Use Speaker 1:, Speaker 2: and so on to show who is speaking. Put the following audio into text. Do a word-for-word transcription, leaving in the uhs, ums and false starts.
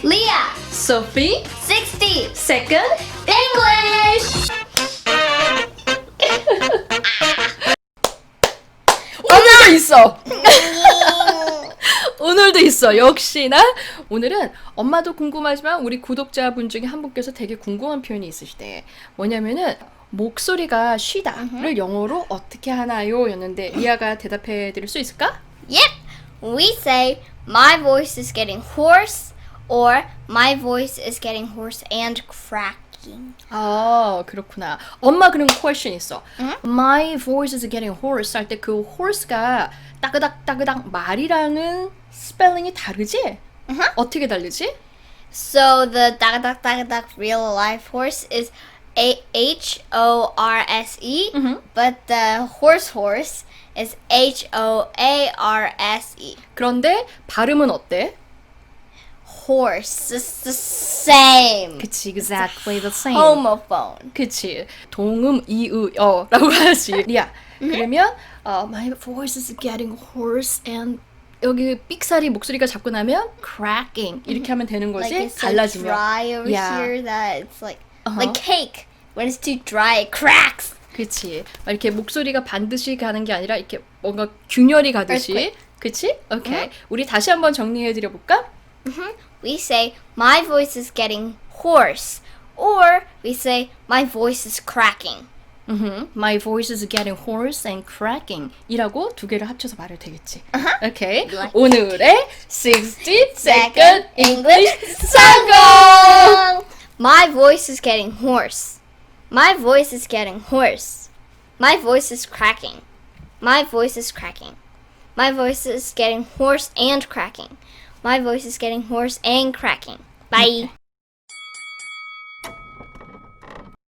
Speaker 1: Leah,
Speaker 2: Sophie,
Speaker 1: sixty,
Speaker 2: second
Speaker 1: English.
Speaker 2: 오늘도 있어. 오늘도 있어. 역시나 오늘은 엄마도 궁금하지만 우리 구독자분 중에 한 분께서 되게 궁금한 표현이 있으시대. 뭐냐면은 목소리가 쉬다를 영어로 어떻게 하나요? 였는데 리아가 대답해 드릴 수 있을까?
Speaker 1: Yep, we say my voice is getting hoarse or my voice is getting hoarse and cracking.
Speaker 2: 아, 그렇구나. 엄마 그런 question 있어. My voice is getting hoarse 할 때 그 hoarse가 따그닥 따그닥 말이랑은 스펠링이 다르지? 어떻게 다르지?
Speaker 1: So the dak dak dak dak real life horse is A H O R S E, but the horse horse is H O A R S E.
Speaker 2: 그런데 발음은 어때?
Speaker 1: Horse is the same.
Speaker 2: 그치, exactly the same.
Speaker 1: Homophone.
Speaker 2: 그치. 동음 이의어라고 하지. 리아. 그러면 어, my voice is getting hoarse and 여기 삑사리 목소리가 잡고 나면 cracking 이렇게 하면 되는 거지.
Speaker 1: Like it's so
Speaker 2: 갈라지면.
Speaker 1: dry over
Speaker 2: Yeah.
Speaker 1: here that it's like
Speaker 2: Uh-huh.
Speaker 1: like cake. When it's too dry, it cracks.
Speaker 2: 그치. 막 이렇게 목소리가 반드시 가는 게 아니라 이렇게 뭔가 균열이 가듯이.
Speaker 1: Earthquake.
Speaker 2: 그치? 오케이. 우리 다시 한번 정리해 드려 볼까?
Speaker 1: We say my voice is getting hoarse, or we say my voice is cracking.
Speaker 2: Mm-hmm. My voice is getting hoarse and cracking 이라고 두 개를 합쳐서 말해도 되겠지. 오케이.
Speaker 1: Like
Speaker 2: 오늘의 sixty second English
Speaker 1: song. My voice is getting hoarse. My voice is getting hoarse. My voice is cracking. My voice is cracking. My voice is getting hoarse and cracking. My voice is getting hoarse and cracking. Bye.